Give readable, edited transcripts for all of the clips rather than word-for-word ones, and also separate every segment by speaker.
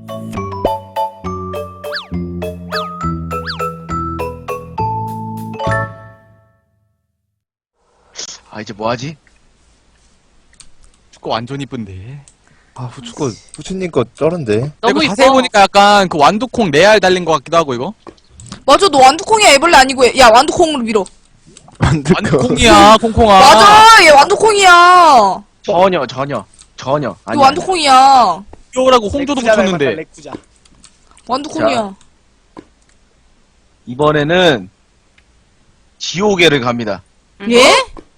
Speaker 1: 아 이제 뭐하지?
Speaker 2: 축구 완전 이쁜데.
Speaker 3: 아 후추거 후추님 거 쩔은데.
Speaker 2: 이거 자세히 보니까 약간 그 완두콩 레알 달린 것 같기도 하고 이거.
Speaker 4: 맞아, 너 완두콩이야, 애벌레 아니고. 야, 완두콩으로 밀어.
Speaker 2: 완두콩이야 콩콩아.
Speaker 4: 맞아, 얘 완두콩이야.
Speaker 1: 전혀
Speaker 4: 너
Speaker 1: 아니
Speaker 4: 완두콩이야.
Speaker 2: 귀여우라고 홍조도 붙였는데.
Speaker 4: 완두콩이야.
Speaker 1: 이번에는 지옥에를 갑니다.
Speaker 4: 예?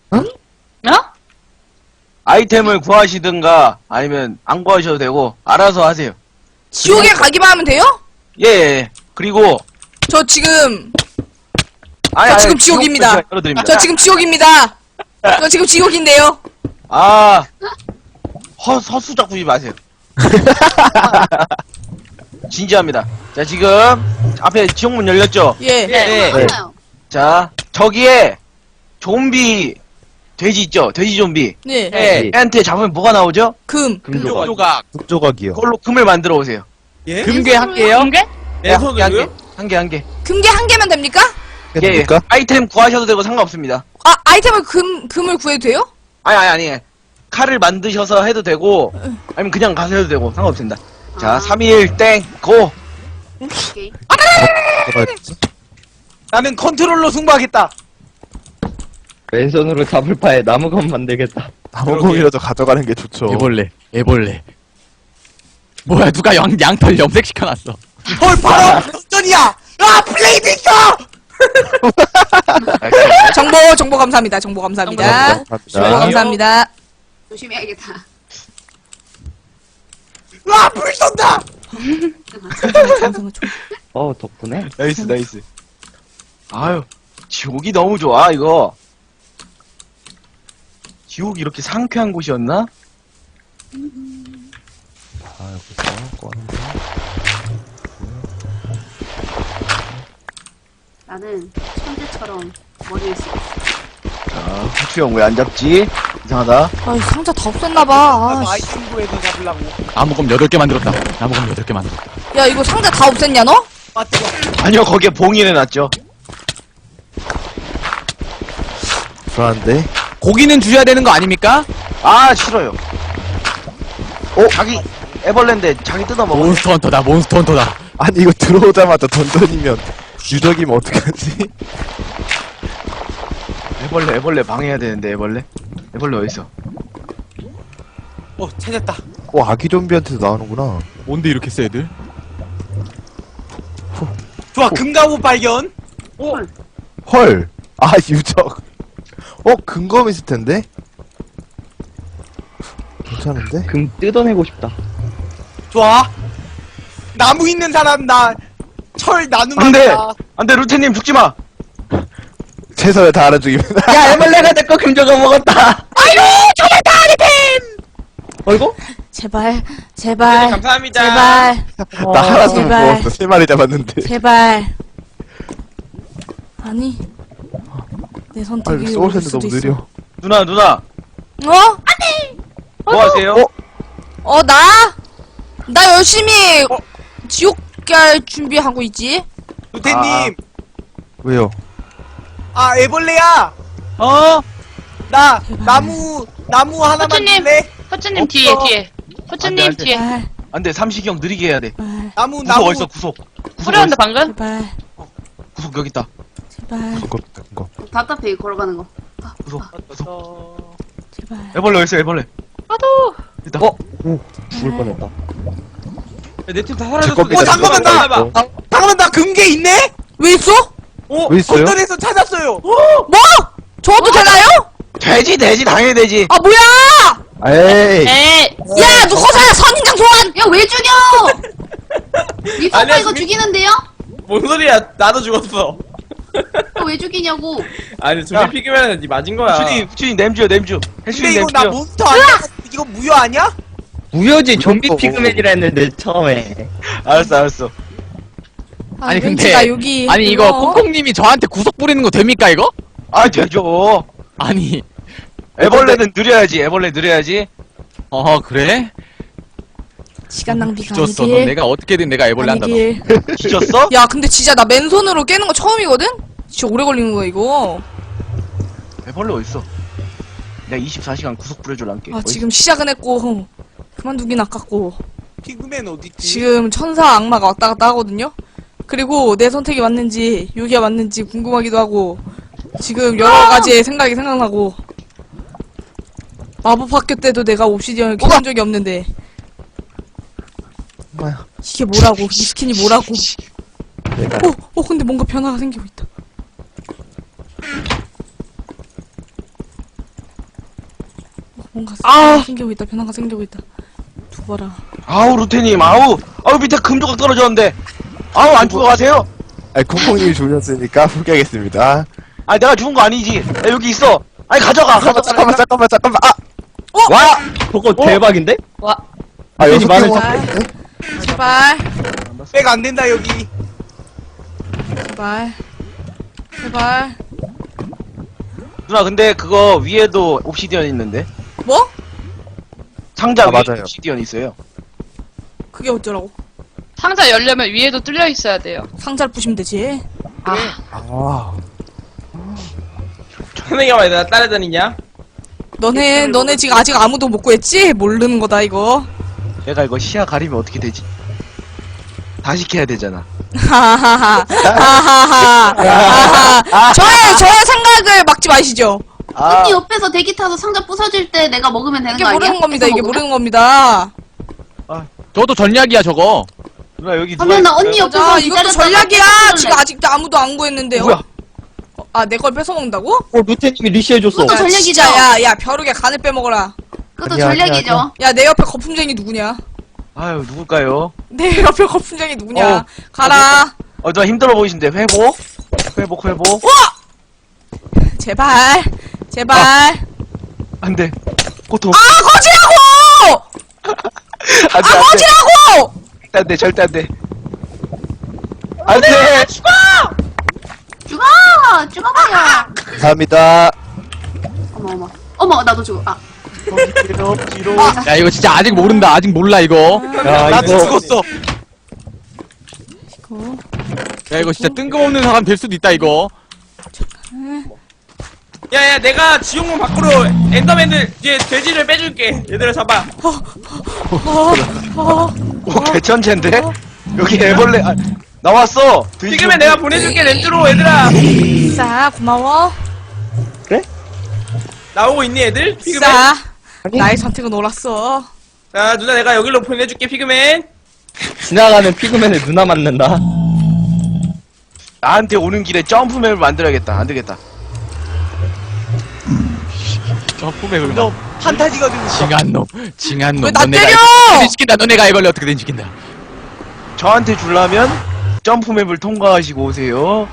Speaker 1: 아이템을 구하시든가 아니면 안 구하셔도 되고 알아서 하세요.
Speaker 4: 지옥에 가기만 하면 돼요?
Speaker 1: 예. 그리고
Speaker 4: 저 지금,
Speaker 1: 아니,
Speaker 4: 지금 지옥입니다.
Speaker 1: 지옥도 열어드립니다.
Speaker 4: 저 지금 지옥입니다. 저 지금 지옥인데요.
Speaker 1: 아 허수작 부지 마세요. 진지합니다. 자 지금 앞에 지옥문 열렸죠?
Speaker 4: 예.
Speaker 1: 네. 자 저기에 좀비 돼지 있죠? 돼지 좀비.
Speaker 4: 네.
Speaker 1: 네. 애한테 잡으면 뭐가 나오죠?
Speaker 4: 금.
Speaker 2: 금조각.
Speaker 3: 흑조각이요.
Speaker 1: 그걸로 금을 만들어 오세요.
Speaker 5: 예?
Speaker 2: 금괴 할게요.
Speaker 6: 금괴?
Speaker 1: 네, 한 개.
Speaker 4: 금괴 한 개면 됩니까?
Speaker 1: 예.
Speaker 3: 됩니까?
Speaker 1: 아이템 구하셔도 되고 상관없습니다.
Speaker 4: 아, 아이템을 금을 구해도 돼요?
Speaker 1: 아니. 칼을 만드셔서 해도 되고 아니면 그냥 가서 해도 되고 상관없습니다. 자,
Speaker 6: 아.
Speaker 1: 3일 땡 고.
Speaker 6: 오케이.
Speaker 3: 뭐가였지?
Speaker 5: 나는 컨트롤러 승부하겠다.
Speaker 7: 왼손으로 잡을 바에 나무건 만들겠다.
Speaker 3: 나무공이라도 가져가는 게 좋죠.
Speaker 2: 애벌레. 뭐야 누가 양털 염색 시켜놨어.
Speaker 5: 헐 바로 역전이야. 아 블레이드 있어.
Speaker 4: 정보 감사합니다. 정보 감사합니다. 정보 감사합니다.
Speaker 6: 조심해야겠다.
Speaker 5: 와불 쏜다.
Speaker 7: 덕분에?
Speaker 1: 나이스. 아유, 지옥이 너무 좋아, 이거. 지옥이 이렇게 상쾌한 곳이었나?
Speaker 3: 아 여기서 꺼는데.
Speaker 6: 나는 천재처럼 머리를 쓰고 있어.
Speaker 1: 자, 후추형 왜 안 잡지? 이상하다.
Speaker 4: 아, 상자 다 없앴나봐. 아, 씨.
Speaker 5: 아이템 구해서 잡으려고.
Speaker 2: 나무검 8개 만들었다. 나무검 8개 만들었다.
Speaker 4: 야, 이거 상자 다 없앴냐, 너?
Speaker 5: 아 뜨거.
Speaker 1: 아니요, 거기에 봉인해놨죠.
Speaker 3: 불안한데.
Speaker 2: 고기는 주셔야 되는 거 아닙니까?
Speaker 1: 아, 싫어요. 자기, 애벌레인데 자기 뜯어먹어.
Speaker 2: 몬스터 헌터다.
Speaker 3: 아니 이거 들어오자마자 던전이면 유적이면 어떡하지?
Speaker 1: 애벌레 방해해야 되는데, 애벌레 어딨어?
Speaker 5: 찾았다.
Speaker 3: 아기 좀비한테도 나오는구나.
Speaker 2: 뭔데 이렇게 세 애들?
Speaker 5: 좋아 금가구 발견.
Speaker 3: 헐. 아 유적. 근검 있을 텐데. 괜찮은데?
Speaker 7: 금 뜯어내고 싶다.
Speaker 5: 좋아. 나무 있는 사람 나 철 나누면
Speaker 1: 안 돼!
Speaker 5: 다.
Speaker 1: 안 돼, 루테님 죽지 마!
Speaker 3: 최선을 다하는 중입니다.
Speaker 7: 야, 애벌레가 내 거 금조각 먹었다!
Speaker 4: 제발.
Speaker 5: 감사합니다.
Speaker 4: 제발.
Speaker 3: 나 하나도 못
Speaker 4: 제발.
Speaker 3: 먹었어. 3마리 잡았는데.
Speaker 4: 제발. 아니. 내
Speaker 3: 아
Speaker 4: 선택이
Speaker 3: 이거 소울샌드
Speaker 4: 올 수도
Speaker 3: 너무
Speaker 4: 있어.
Speaker 3: 느려.
Speaker 1: 누나,
Speaker 4: 어?
Speaker 1: 뭐 하세요?
Speaker 4: 나 열심히 지옥 갈 준비하고 있지.
Speaker 5: 루테님.
Speaker 3: 왜요?
Speaker 5: 아 애벌레야. 나 나무 하나만
Speaker 6: 호주님.
Speaker 5: 줄래?
Speaker 6: 호주님
Speaker 5: 없어.
Speaker 6: 뒤에. 호주님
Speaker 1: 안 돼.
Speaker 6: 뒤에.
Speaker 4: 제발.
Speaker 1: 안 돼, 삼식이 형 느리게 해야 돼.
Speaker 5: 나무
Speaker 1: 구석 어딨어, 구석
Speaker 6: 소리한다 방금?
Speaker 4: 제발.
Speaker 1: 구석 여기 있다.
Speaker 4: 제발.
Speaker 3: 근검.
Speaker 6: 답답해 걸어가는 거.
Speaker 1: 구석.
Speaker 4: 제발.
Speaker 1: 애벌레 어딨어, 애벌레.
Speaker 6: 나도.
Speaker 1: 있다.
Speaker 7: 죽을 뻔했다.
Speaker 5: 내 팀 다
Speaker 3: 제
Speaker 5: 사라졌어.
Speaker 3: 겁니다.
Speaker 5: 잠깐만 잠깐만 나 금괴 있네?
Speaker 4: 왜 있어?
Speaker 3: 왜 있어요?
Speaker 5: 건전에서 찾았어요.
Speaker 4: 뭐? 저도 되나요?
Speaker 1: 돼지, 당연히 돼지.
Speaker 4: 아, 뭐야!
Speaker 3: 에이.
Speaker 6: 에이.
Speaker 4: 야, 너 허사야 선인장 소환!
Speaker 6: 야 왜 죽여? 니 파파
Speaker 5: 아니야,
Speaker 6: 이거
Speaker 5: 수미-
Speaker 6: 죽이는데요?
Speaker 5: 뭔 소리야? 나도 죽었어.
Speaker 6: 왜 죽이냐고.
Speaker 5: 아니 좀비 피규어는 니 맞은 거야.
Speaker 1: 후추님 냄주요, 냄주. 해수님
Speaker 5: 근데 이거 나
Speaker 1: 냄주요.
Speaker 5: 몬스터 아니야? 이거 무효 아니야?
Speaker 7: 무효지, 좀비
Speaker 3: 무섭고.
Speaker 7: 피그맨이라 했는데, 처음에.
Speaker 1: 알았어.
Speaker 2: 아니,
Speaker 4: 왠지
Speaker 2: 근데-
Speaker 4: 나 여기
Speaker 2: 아니 이거 콩콩님이 저한테 구속 부리는 거 됩니까 이거?
Speaker 1: 아, 되죠.
Speaker 2: 아니.
Speaker 1: 애벌레는 느려야지, 애벌레 느려야지.
Speaker 2: 그래?
Speaker 4: 시간 낭비가
Speaker 2: 뒤졌어. 넌
Speaker 4: 아니길.
Speaker 2: 내가 어떻게든 내가 애벌레 한다 너.
Speaker 4: 아니길.
Speaker 1: 뒤졌어?
Speaker 4: 야, 근데 진짜 나 맨손으로 깨는 거 처음이거든? 진짜 오래 걸리는 거야, 이거.
Speaker 1: 애벌레 어딨어? 내가 24시간 구속 부려줄란게.
Speaker 4: 아, 지금 시작은 했고, 그만두긴 아깝고.
Speaker 5: 피그맨 어딨지?
Speaker 4: 지금 천사 악마가 왔다 갔다 하거든요? 그리고 내 선택이 맞는지, 여기가 맞는지 궁금하기도 하고, 지금 여러 가지의 생각이 생각나고, 마법 학교 때도 내가 옵시디언을 켜본 적이 없는데,
Speaker 3: 엄마야.
Speaker 4: 이게 뭐라고, 이 스킨이 뭐라고.
Speaker 3: 내가
Speaker 4: 근데 뭔가 변화가 생기고 있다. 뭔가 생기고 있다, 변화가 생기고 있다. 두봐라.
Speaker 1: 아우 루테님 아우 밑에 금조각 떨어졌는데 아우 안 죽어가세요?
Speaker 3: 아니 콩콩님이 죽으셨으니까 포기하겠습니다.
Speaker 1: 아니 내가 죽은 거 아니지. 야, 여기 있어. 아니 가져가.
Speaker 3: 잠깐만. 아!
Speaker 7: 와! 저거 대박인데?
Speaker 3: 아 여섯
Speaker 7: 많은
Speaker 3: 개
Speaker 4: 자.
Speaker 3: 모았네?
Speaker 4: 제발,
Speaker 5: 백 안 된다 여기.
Speaker 4: 제발, 제발.
Speaker 1: 누나 근데 그거 위에도 옵시디언 있는데
Speaker 4: 뭐?
Speaker 1: 상자
Speaker 3: 아,
Speaker 1: 위에
Speaker 3: 맞아요.
Speaker 1: 옵시디언 있어요.
Speaker 4: 그게 어쩌라고?
Speaker 6: 상자 열려면 위에도 뚫려 있어야 돼요.
Speaker 4: 상자를 부시면 되지.
Speaker 3: 아
Speaker 5: 선생님 왜 나 따라다니냐?
Speaker 4: 너네 지금 아직 아무도 못 구했지? 모르는 거다, 이거.
Speaker 1: 내가 이거 시야 가리면 어떻게 되지? 다시 캐야 되잖아.
Speaker 4: 하하하. 하하하. 저의 생각을 막지 마시죠.
Speaker 1: 아
Speaker 6: 언니 옆에서 대기 타서 상자 부서질 때 내가 먹으면 되는
Speaker 4: 이게
Speaker 6: 거 아니야?
Speaker 4: 모르는 겁니다,
Speaker 6: 해서
Speaker 4: 이게
Speaker 6: 먹으면?
Speaker 4: 모르는 겁니다.
Speaker 2: 저도 전략이야 저거.
Speaker 1: 누나 여기 누가
Speaker 6: 그러면 나
Speaker 1: 있어요?
Speaker 6: 언니 옆에서
Speaker 4: 자, 이것도
Speaker 6: 기다렸다가
Speaker 4: 전략이야.
Speaker 6: 뺏어올래.
Speaker 4: 지금 아직도 아무도 안 구했는데요.
Speaker 1: 뭐야?
Speaker 4: 내 걸 뺏어먹는다고?
Speaker 7: 루테님이 리시해줬어.
Speaker 6: 그것도
Speaker 4: 야,
Speaker 6: 전략이죠.
Speaker 4: 진짜, 야, 벼룩의 간을 빼먹어라.
Speaker 6: 그것도
Speaker 3: 아니야,
Speaker 6: 전략이죠.
Speaker 4: 야, 내 옆에 거품쟁이 누구냐?
Speaker 1: 아유 누굴까요?
Speaker 4: 내 옆에 거품쟁이 누구냐?
Speaker 1: 어.
Speaker 4: 가라.
Speaker 1: 누나 힘들어 보이신데 회복? 회복
Speaker 4: 제발. 제발.
Speaker 1: 안돼 고통
Speaker 4: 거지라고!
Speaker 1: 안돼
Speaker 4: 거지라고!
Speaker 1: 안돼 절대 안돼 안돼
Speaker 6: 죽어버려.
Speaker 3: 감사합니다.
Speaker 6: 어머, 나도 죽어. 아,
Speaker 1: 뒤로
Speaker 2: 야 이거 진짜 아직 모른다. 아직 몰라 이거.
Speaker 7: 야,
Speaker 1: 나도
Speaker 7: 이거
Speaker 1: 죽었어.
Speaker 2: 야 이거 진짜 뜬금없는 사람 될 수도 있다 이거.
Speaker 5: 야야 내가 지옥문 밖으로 엔더맨들 이제 돼지를 빼줄게. 얘들아 잡아.
Speaker 1: 오 개천재인데? 여기 애벌레 나왔어.
Speaker 5: 피그맨 내가 보내줄게 렌즈로 얘들아.
Speaker 4: 싸, 고마워.
Speaker 5: 나오고 있니 애들? 피그맨?
Speaker 4: 싸. 나의 선택은 옳았어.
Speaker 5: 자 누나 내가 여기로 보내줄게 피그맨.
Speaker 7: 지나가는 피그맨을 누나 맞는다.
Speaker 1: 나한테 오는 길에 점프맵을 만들어야겠다. 안 되겠다.
Speaker 2: 점프맵을
Speaker 5: 너 판타지거든.
Speaker 2: 징한 놈.
Speaker 4: 왜 나
Speaker 2: 너네가
Speaker 4: 때려!
Speaker 2: 어떻게든 시킨다. 너네가 애벌레 어떻게든 시킨다.
Speaker 1: 저한테 주려면 점프맵을 통과하시고 오세요.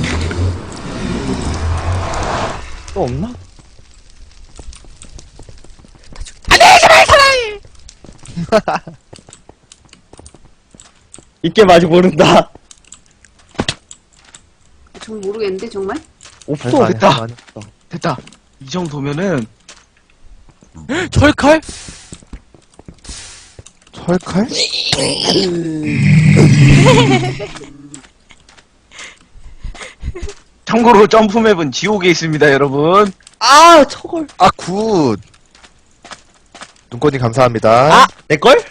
Speaker 7: 또 없나? 이게 아직 모른다.
Speaker 6: 정말 모르겠는데, 정말?
Speaker 7: 없어.
Speaker 1: 됐다. 됐다. 이 정도면은
Speaker 2: 철칼?
Speaker 3: 철칼?
Speaker 1: 참고로 점프맵은 지옥에 있습니다, 여러분.
Speaker 7: 아, 저걸.
Speaker 3: 아 굿. 눈꽃님 감사합니다.
Speaker 7: 아, 내걸?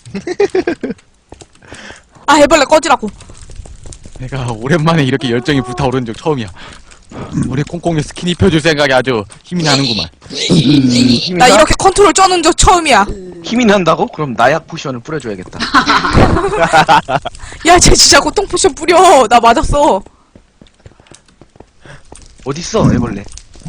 Speaker 4: 애벌레 꺼지라고.
Speaker 2: 내가 오랜만에 이렇게 열정이 불타오르는 적 처음이야. 우리 콩콩이 스킨 입혀줄 생각이 아주 힘이 나는구만.
Speaker 4: 나 이렇게 컨트롤 쩌는 적 처음이야.
Speaker 1: 힘이 난다고? 그럼 나약 포션을 뿌려줘야겠다.
Speaker 4: 야, 쟤 진짜 고통 포션 뿌려. 나 맞았어.
Speaker 1: 어딨어, 애벌레?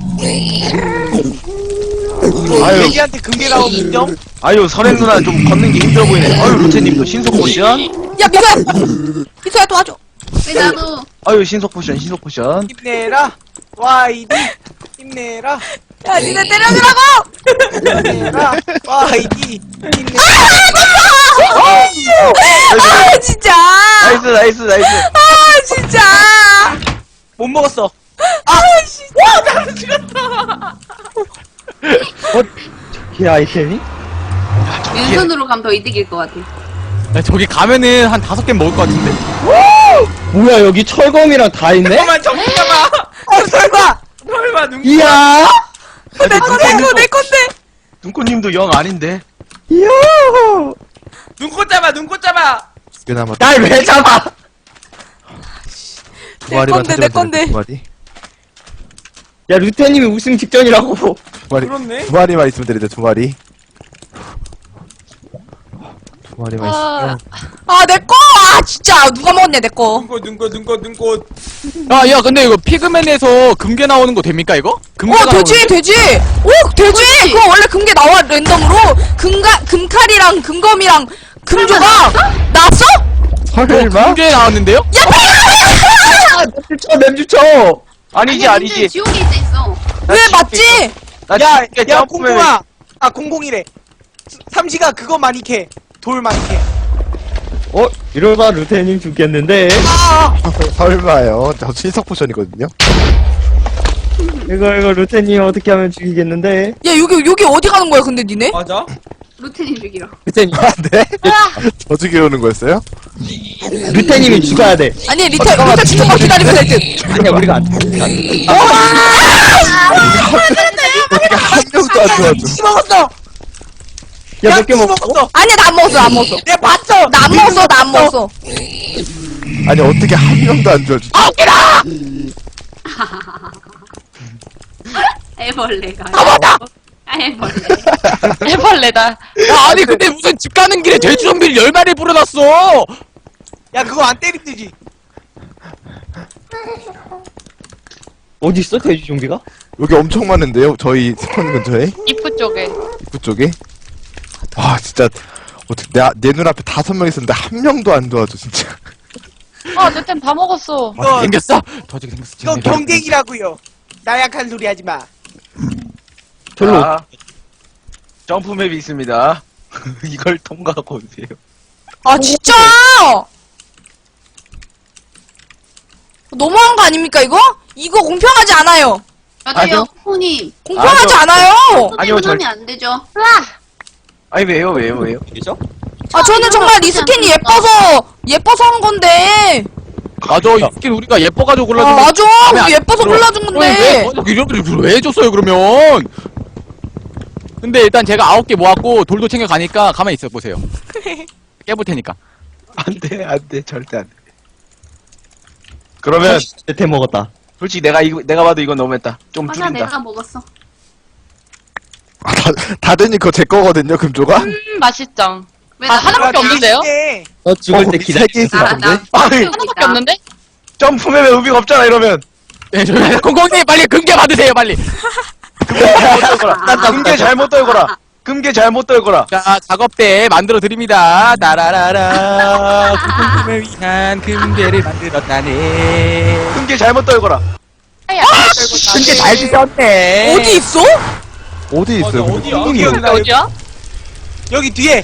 Speaker 5: 아유. 애기한테 금괴 나오면 인정?
Speaker 1: 아유, 설행 누나 좀 걷는 게 힘들어 보이네. 아유, 루테님도 신속 포션.
Speaker 4: 야, 미소야! 미소야, 도와줘.
Speaker 6: 왜 나도
Speaker 1: 아유, 신속 포션.
Speaker 5: 힘내라. YD. 힘내라.
Speaker 4: 야, 니네 때려주라고!
Speaker 5: 힘내라. YD. 힘내라.
Speaker 4: 진짜!
Speaker 1: 나이스.
Speaker 4: 아, 진짜!
Speaker 5: 못 먹었어.
Speaker 7: 이 아이템이?
Speaker 6: 왼손으로 가면 더 이득일 것 같아.
Speaker 2: 야, 저기 가면은 한 5개 먹을 것 같은데?
Speaker 7: 뭐야, 여기 철검이랑 다 있네?
Speaker 5: 잠깐만 정신 잡아. 설마 눈.
Speaker 7: 이야!
Speaker 4: 내 건데 이거 내 건데.
Speaker 1: 눈꽃님도 영 아닌데.
Speaker 7: 이야!
Speaker 5: 눈꽃 잡아 눈꽃 잡아.
Speaker 3: 꽤 남았다.
Speaker 7: 날 왜 잡아!
Speaker 3: 두 마리만
Speaker 4: 건데, 내
Speaker 3: 찾으면
Speaker 4: 건데.
Speaker 3: 되네, 두 마리.
Speaker 7: 야, 루테님이 우승 직전이라고.
Speaker 3: 두 마리.
Speaker 5: 그렇네.
Speaker 3: 두 마리만 있으면 되는데, 두 마리. 두 마리만 있으면.
Speaker 4: 아 내 거. 아 진짜 누가 먹었냐 내 거.
Speaker 5: 눈꽃.
Speaker 2: 야, 근데 이거 피그맨에서 금괴 나오는 거 됩니까, 이거? 금괴
Speaker 4: 되지 되지. 오 되지. 그거 원래 금괴 나와 랜덤으로. 금칼이랑 금검이랑 금조각 나왔어?
Speaker 7: 설마?
Speaker 2: 금괴 나왔는데요?
Speaker 7: 아, 맵주 쳐!
Speaker 1: 아니지,
Speaker 6: 아니야,
Speaker 1: 아니지.
Speaker 6: 민준 지옥에 있어.
Speaker 4: 왜 맞지?
Speaker 1: 나
Speaker 8: 야,
Speaker 1: 지금
Speaker 8: 야,
Speaker 1: 점프맨
Speaker 8: 공공아. 아, 공공이래. 삼시가 그거 많이 캐. 돌 많이 캐.
Speaker 7: 이러다 루테님 죽겠는데?
Speaker 3: 설마요. 저 신석 포션이거든요.
Speaker 7: 이거 루테님 어떻게 하면 죽이겠는데?
Speaker 4: 야 여기 어디 가는 거야 근데 니네?
Speaker 5: 맞아?
Speaker 6: 루테님 죽이러.
Speaker 7: 루테님,
Speaker 3: 아, 네? 저 죽여 오는 거였어요?
Speaker 7: 루테님이 죽어야 돼.
Speaker 4: 아니 리타 죽는 거 기다리면 될 듯.
Speaker 7: 아니야, 우리가 안 죽어.
Speaker 3: 어떻게 한 명도 안 도와줘.
Speaker 8: 먹었어.
Speaker 7: 야, 몇 개 먹어?
Speaker 8: 먹었어.
Speaker 4: 아니야 나 안 먹었어.
Speaker 8: 내가 봤어.
Speaker 4: 나 안 먹었어.
Speaker 3: 아니, 어떻게 한 명도 안 도와줘.
Speaker 6: 애벌레가. 애벌레.
Speaker 2: 해벌레다. 야, 아니, 근데 무슨 집 가는 길에 돼지 좀비를 10마리 불어놨어!
Speaker 8: 야, 그거 안 때리듯이.
Speaker 7: 어디 있어, 돼지 좀비가?
Speaker 3: 여기 엄청 많은데요? 저희 스폰 근처에?
Speaker 9: 입구 쪽에.
Speaker 3: 입구 쪽에? 와, 진짜. 어떻게, 내 눈앞에 5명 있었는데 한 명도 안 도와줘, 진짜.
Speaker 9: 아, 내 템 다 먹었어.
Speaker 8: 이거,
Speaker 2: 생겼어? 더지게 생겼어.
Speaker 8: 이거 경쟁이라고요. 나약한 소리 하지 마.
Speaker 7: 절로.
Speaker 1: 자, 점프맵이 있습니다. 이걸 통과하고 오세요.
Speaker 4: 아 진짜. 너무한 거 아닙니까 이거? 이거 공평하지 않아요.
Speaker 6: 맞아요, 코님.
Speaker 4: 공평하지 않아요.
Speaker 1: 아니요,
Speaker 6: 아니요, 하면 안 되죠.
Speaker 1: 아니, 왜요?
Speaker 4: 아 저는 정말 이 스킨이 예뻐서 한 건데.
Speaker 2: 맞아, 이 스킨 우리가 예뻐가지고
Speaker 4: 아
Speaker 2: 골라준 거.
Speaker 4: 맞아.
Speaker 2: 마음에 안
Speaker 4: 예뻐서
Speaker 2: 들어.
Speaker 4: 골라준 건데.
Speaker 2: 이런 왜 해줬어요, 그러면? 근데 일단 제가 9개 모았고, 돌도 챙겨가니까 가만히 있어 보세요. 깨볼 테니까.
Speaker 1: 안 돼, 절대 안 돼. 그러면,
Speaker 7: 내 먹었다.
Speaker 1: 솔직히 내가 봐도 이건 너무했다. 좀
Speaker 6: 맞아,
Speaker 1: 줄인다.
Speaker 6: 내가 먹었어.
Speaker 3: 아, 다든이 그거 제 거거든요, 금조가?
Speaker 9: 맛있죠?
Speaker 6: 왜
Speaker 9: 아,
Speaker 6: 나
Speaker 9: 하나밖에 없는데요?
Speaker 8: 네.
Speaker 7: 너 죽을 때 기다려.
Speaker 3: 3개 있을
Speaker 6: 나,
Speaker 3: 건데?
Speaker 6: 나.
Speaker 1: 아니,
Speaker 9: 하나밖에 없는데?
Speaker 1: 점프맵에 의미가 없잖아, 이러면.
Speaker 2: 네, 공공님 빨리 금괴 받으세요, 빨리.
Speaker 1: 금괴 잘못 떨거라. 금괴 잘못 떨거라.
Speaker 2: 자, 작업대 만들어 드립니다. 나라라라. 공공님을 위한 금괴를 만들었다네.
Speaker 1: 금괴 잘못 떨거라.
Speaker 2: 금괴 잘 드셨네.
Speaker 4: 어디 있어?
Speaker 3: 어디 있어요?
Speaker 5: 맞아, 어디야?
Speaker 3: 콩콩이.
Speaker 9: 어디야?
Speaker 8: 여기 뒤에.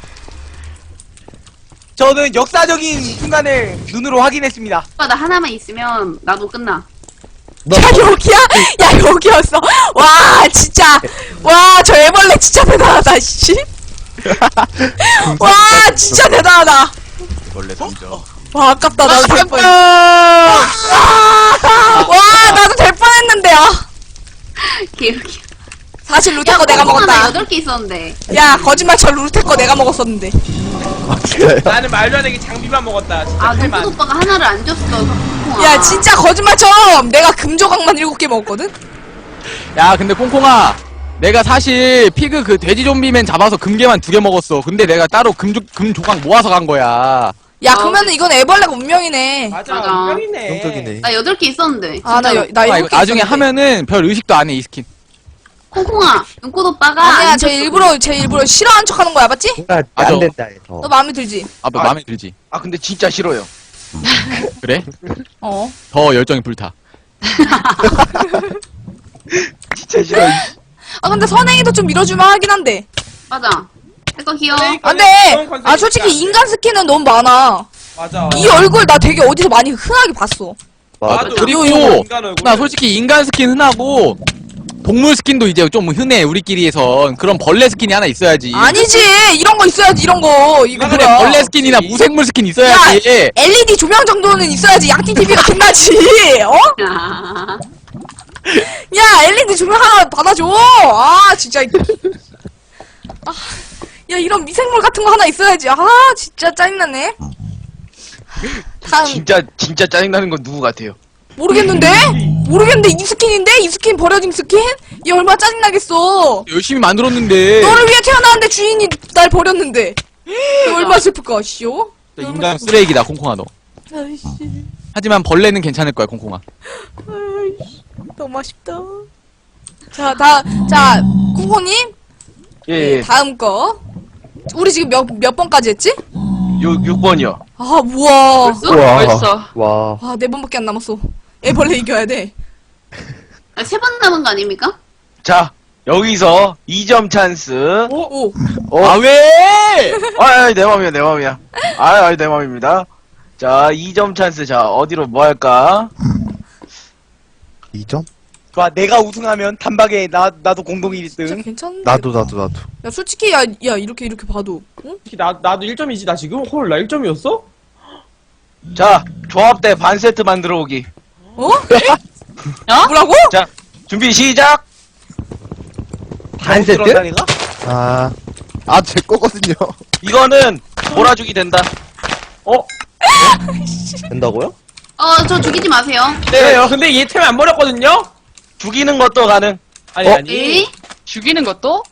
Speaker 8: 저는 역사적인 순간을 눈으로 확인했습니다.
Speaker 6: 오빠, 나 하나만 있으면 나도 끝나.
Speaker 4: 야 여기야? 야 여기였어. 와 진짜. 와 저 애벌레 진짜 대단하다 씨. 와 진짜 대단하다.
Speaker 2: 원래 던져.
Speaker 4: 와 아깝다 나도 될 뻔. 와 나도 될 뻔했는데 아.
Speaker 6: 개웃겨.
Speaker 4: 사실 루테 거 내가 먹었다.
Speaker 6: 8개 있었는데.
Speaker 4: 야 거짓말처럼 루테 거 내가 먹었었는데.
Speaker 3: 아, 진짜요?
Speaker 5: 나는 말도 안 되게 장비만 먹었다. 진짜
Speaker 6: 아,
Speaker 5: 칼만.
Speaker 6: 눈꽃 오빠가 하나를 안 줬어. 콩콩아.
Speaker 4: 야 진짜 거짓말처럼 내가 금조각만 7개 먹었거든.
Speaker 2: 야, 근데 콩콩아. 내가 사실 피그 그 돼지 좀비맨 잡아서 금괴만 2개 먹었어. 근데 내가 따로 금조각 모아서 간 거야.
Speaker 4: 야 그러면은 이건 애벌레가 운명이네.
Speaker 5: 맞아.
Speaker 6: 맞아.
Speaker 5: 운명이네.
Speaker 3: 성적이네.
Speaker 6: 나 8개 있었는데.
Speaker 4: 아 나
Speaker 6: 진짜로.
Speaker 4: 나
Speaker 2: 이거
Speaker 4: 7개
Speaker 2: 나중에
Speaker 4: 있었는데.
Speaker 2: 하면은 별 의식도 안 해, 이 스킨.
Speaker 6: 콩콩아, 눈꽃 오빠가.
Speaker 4: 아니야
Speaker 6: 안
Speaker 4: 제
Speaker 6: 줬어.
Speaker 4: 일부러 싫어해하는 척하는 거야 맞지?
Speaker 7: 뭔가
Speaker 2: 맞아.
Speaker 7: 안 된다 해서.
Speaker 4: 너 마음에 들지?
Speaker 2: 아, 마음에 들지.
Speaker 1: 아, 근데 진짜 싫어요.
Speaker 2: 그래?
Speaker 4: 어.
Speaker 2: 더 열정이 불타.
Speaker 1: 진짜 싫어.
Speaker 4: 아 근데 선행이도 좀 밀어주면 하긴 한데.
Speaker 6: 맞아. 내거 귀여워.
Speaker 4: 안돼. 아 솔직히 인간 스킨은 너무 많아.
Speaker 5: 맞아.
Speaker 4: 이 얼굴 나 되게 어디서 많이 흔하게 봤어.
Speaker 5: 나도
Speaker 2: 그리고
Speaker 5: 인간 얼굴.
Speaker 2: 나 솔직히 인간 스킨 흔하고 동물 스킨도 이제 좀 흔해 우리끼리에선. 그런 벌레 스킨이 하나 있어야지.
Speaker 4: 아니지 이런 거 있어야지 이런 거 이거
Speaker 2: 그래
Speaker 4: 뭐야
Speaker 2: 벌레 스킨이나 무생물 스킨 있어야지.
Speaker 4: LED 조명 정도는 있어야지 양띵 TV가 빛나지 어?
Speaker 6: 아,
Speaker 4: 야 LED 조명 하나 받아줘 아 진짜 아, 야 이런 미생물 같은 거 하나 있어야지 아 진짜 짜증나네 다음
Speaker 1: 진짜 짜증나는 건 누구 같아요?
Speaker 4: 모르겠는데 이 스킨인데 이 스킨 버려진 스킨 얘 얼마나 짜증나겠어
Speaker 2: 열심히 만들었는데.
Speaker 4: 너를 위해 태어났는데 주인이 날 버렸는데 이거 얼마나 슬플까 씨요
Speaker 2: 인간 쓰레기다 콩콩아 너.
Speaker 4: 아이씨
Speaker 2: 하지만 벌레는 괜찮을 거야 콩콩아.
Speaker 4: 아이씨 너무 아쉽다 자 콩콩님
Speaker 1: 예.
Speaker 4: 다음 거 우리 지금 몇 번까지 했지?
Speaker 1: 6번이요.
Speaker 4: 아 우와
Speaker 9: 벌써?
Speaker 3: 우와.
Speaker 9: 벌써.
Speaker 3: 와.
Speaker 4: 아 4번밖에 안 남았어 애벌레 이겨야 돼
Speaker 6: 3번 남은 거 아닙니까?
Speaker 1: 자, 여기서 2점 찬스.
Speaker 4: 오.
Speaker 2: 아 왜?
Speaker 1: 내 맘이야. 내 맘입니다. 자, 2점 찬스. 자, 어디로 뭐 할까?
Speaker 3: 2점?
Speaker 8: 좋아, 내가 우승하면 단박에 나도 공동
Speaker 4: 진짜
Speaker 8: 1등.
Speaker 4: 괜찮은데
Speaker 3: 나도.
Speaker 4: 야 솔직히 야 이렇게 봐도 응?
Speaker 5: 나도 1점이지 나 지금? 헐 나 1점이었어?
Speaker 1: 자, 조합대 반 세트 만들어 오기.
Speaker 4: 어?
Speaker 9: 어?
Speaker 4: 뭐라고?
Speaker 1: 자, 준비 시작!
Speaker 7: 반 세트?
Speaker 8: 들었다, 내가?
Speaker 3: 제 거거든요.
Speaker 1: 이거는 몰아주기 된다.
Speaker 7: 된다고요?
Speaker 6: 저 죽이지 마세요.
Speaker 5: 네요. 근데 얘 템 안 버렸거든요?
Speaker 1: 죽이는 것도 가능.
Speaker 5: 아니
Speaker 3: 어?
Speaker 5: 아니.
Speaker 6: 에이?
Speaker 9: 죽이는 것도?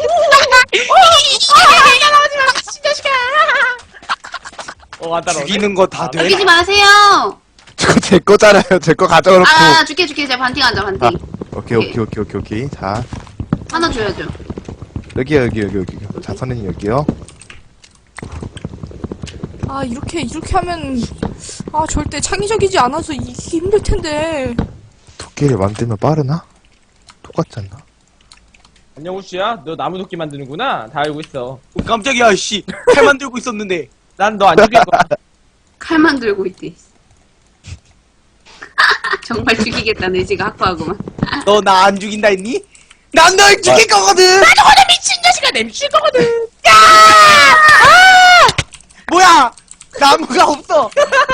Speaker 5: 안 따라오네.
Speaker 8: 죽이는 거 다 돼.
Speaker 6: 죽이지 마세요.
Speaker 3: 저거 제 거잖아요. 제 거 가져놓고.
Speaker 6: 줄게. 제가 반띵 하자, 반띵.
Speaker 3: 오케이. 자,
Speaker 6: 하나 줘야죠.
Speaker 3: 여기요. 자, 선생님 여기요.
Speaker 4: 아 이렇게 하면 아 절대 창의적이지 않아서 이기 힘들 텐데
Speaker 3: 도끼를 만들면 빠르나? 똑같지 않나?
Speaker 5: 안녕 우씨야. 너 나무 도끼 만드는구나. 다 알고 있어.
Speaker 8: 깜짝이야, 씨. 칼만 들고 있었는데.
Speaker 5: 난 너 안 죽일 거야.
Speaker 6: 칼만 들고 있대. 정말 죽이겠다는 의지가 확고하구만.
Speaker 8: 너 나 안 죽인다 했니? 난 널 죽일 거거든!
Speaker 5: 내 미칠 거거든.
Speaker 8: 뭐야! 나무가 없어!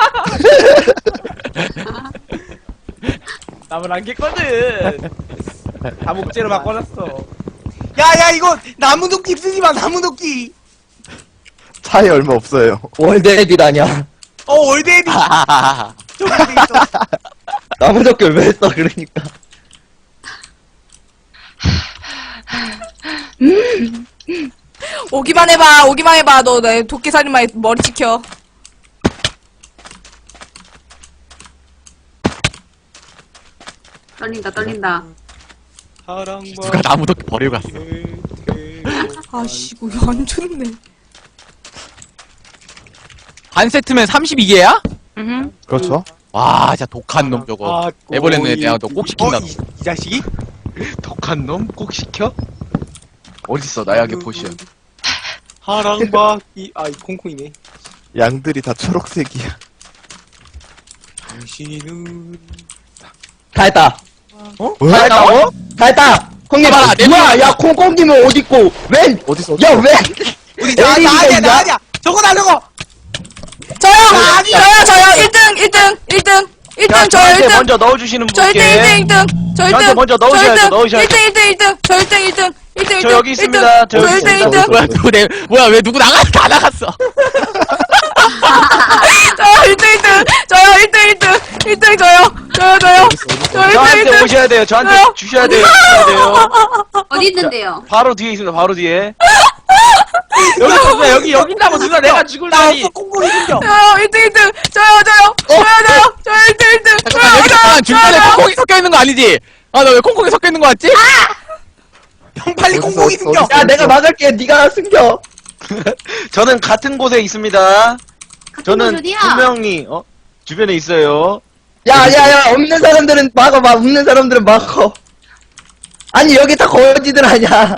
Speaker 5: 나무를 안 깼거든. 다 목재로 바꿔놨어.
Speaker 8: 야, 이거 나무도끼 쓰지 마, 나무도끼!
Speaker 3: 차이 얼마 없어요.
Speaker 7: 월드에디라냐?
Speaker 8: 월드에디 저기 돼 있어.
Speaker 7: 나무젓기 왜 써, 그러니까.
Speaker 4: 오기만 해봐 너 내 도끼살인마에 머리 찍혀
Speaker 6: 떨린다.
Speaker 2: 누가 나무 도끼 버리고 갔어.
Speaker 4: 아씨 이거 안 좋네
Speaker 2: 반 세트면 32개야?
Speaker 9: 응.
Speaker 3: 그렇죠?
Speaker 2: 와 진짜 독한 놈 저거. 애벌레는 내가 너 꼭 시킨다.
Speaker 8: 이 자식이?
Speaker 1: 독한 놈 꼭 시켜? 어딨어, 나약의 포션.
Speaker 8: 하랑박이, 이 콩콩이네.
Speaker 3: 양들이 다 초록색이야.
Speaker 8: 당신은.
Speaker 7: 다 했다.
Speaker 3: 다
Speaker 7: 했다고? 다 했다! 형님,
Speaker 2: 봐봐, 내
Speaker 7: 뭐야,
Speaker 2: 눈에
Speaker 7: 야, 콩콩님은 어딨고, 웬?
Speaker 3: 어딨어?
Speaker 7: 야, 왜?
Speaker 8: 우리
Speaker 7: 에릭이가 있냐?
Speaker 8: 나 아니야! 저거 나 저거!
Speaker 4: 저요 1등
Speaker 1: 자,
Speaker 4: 저요
Speaker 1: 저한테
Speaker 4: 1등
Speaker 1: 먼저 넣어주시는
Speaker 4: 저
Speaker 1: 분께.
Speaker 4: 1등
Speaker 1: 저한테 먼저 넣으셔야죠.
Speaker 4: 1등 저 1등
Speaker 1: 저 여기 있습니다. 저 여기 있습니다.
Speaker 2: 뭐야 누구 왜 누구 다 나갔어.
Speaker 4: 저요 1등 저요
Speaker 1: 저한테 오셔야 돼요. 저한테 주셔야 돼요.
Speaker 6: 어디 있는데요?
Speaker 1: 바로 뒤에 있습니다. 바로 뒤에.
Speaker 5: 여기 있다고 누나 내가 죽을
Speaker 8: 나
Speaker 5: 날이.
Speaker 8: 없어, 콩콩이 숨겨!
Speaker 4: 저요 1등 저요 1등
Speaker 2: 잠깐 여기 잠깐 중간에 콩콩이 섞여 있는 거 아니지? 아 나 왜 콩콩이 섞여 있는 거 같지?
Speaker 8: 형 빨리
Speaker 3: 어딨어,
Speaker 8: 콩콩이
Speaker 3: 어딨어,
Speaker 8: 숨겨!
Speaker 3: 어딨어?
Speaker 7: 야, 내가 막을게. 네가 숨겨.
Speaker 1: 저는 같은 곳에 있습니다.
Speaker 6: 같은
Speaker 1: 저는
Speaker 6: 곳 어디야?
Speaker 1: 분명히 주변에 있어요.
Speaker 7: 야, 없는 사람들은 막아봐. 없는 사람들은 막어. 아니, 여기 다 거지들 아냐.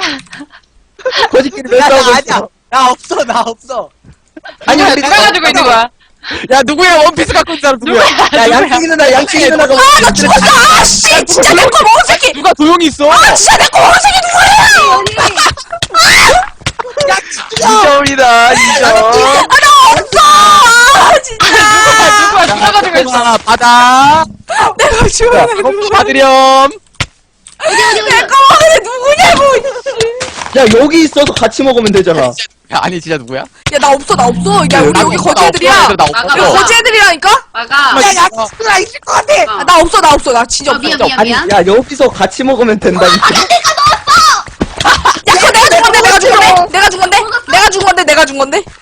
Speaker 7: 거지끼리 왜
Speaker 8: 야, 나
Speaker 7: 싸우고
Speaker 8: 아니야!
Speaker 7: 있어?
Speaker 8: 나 없어!
Speaker 7: 아니, 우리
Speaker 9: 누가 가지고 있는 거야?
Speaker 2: 야 누구야 원피스 갖고 있는 사람 누구야?
Speaker 7: 야 양치기 누나 양치기 누나가
Speaker 4: 아, 나 죽었어! 아, 씨! 진짜 내 거 먹은 새끼!
Speaker 2: 누가 조용히 있어?
Speaker 4: 아, 진짜 내 거 먹은 새끼 누구야!
Speaker 1: 2점이다, 2점.
Speaker 4: 아, 나 없어! 아, 진짜!
Speaker 2: 누가 가지고 있어? 받아.
Speaker 4: 내가 죽었네.
Speaker 2: 받으렴.
Speaker 4: 내 거 먹은 애 누구냐고!
Speaker 7: 야 여기 있어도 같이 먹으면 되잖아.
Speaker 2: 야, 아니 진짜 누구야?
Speaker 4: 야, 나 없어, 나 없어. 야, 우리 여기 거지 애들이야.
Speaker 2: 나
Speaker 4: 여기
Speaker 2: 없어.
Speaker 4: 거지 애들이라니까?
Speaker 9: 막아.
Speaker 8: 야 누나 있을 것 같아.
Speaker 4: 아, 나 없어, 나 없어. 나 진짜 없어.
Speaker 9: 미안
Speaker 7: 아니
Speaker 9: 미안.
Speaker 7: 야 여기서 같이 먹으면 된다니까.
Speaker 4: 야, 그거 내가 준 건데, 내가 준 건데? 내가 준 건데? 내가 준 건데? 내가 준 건데?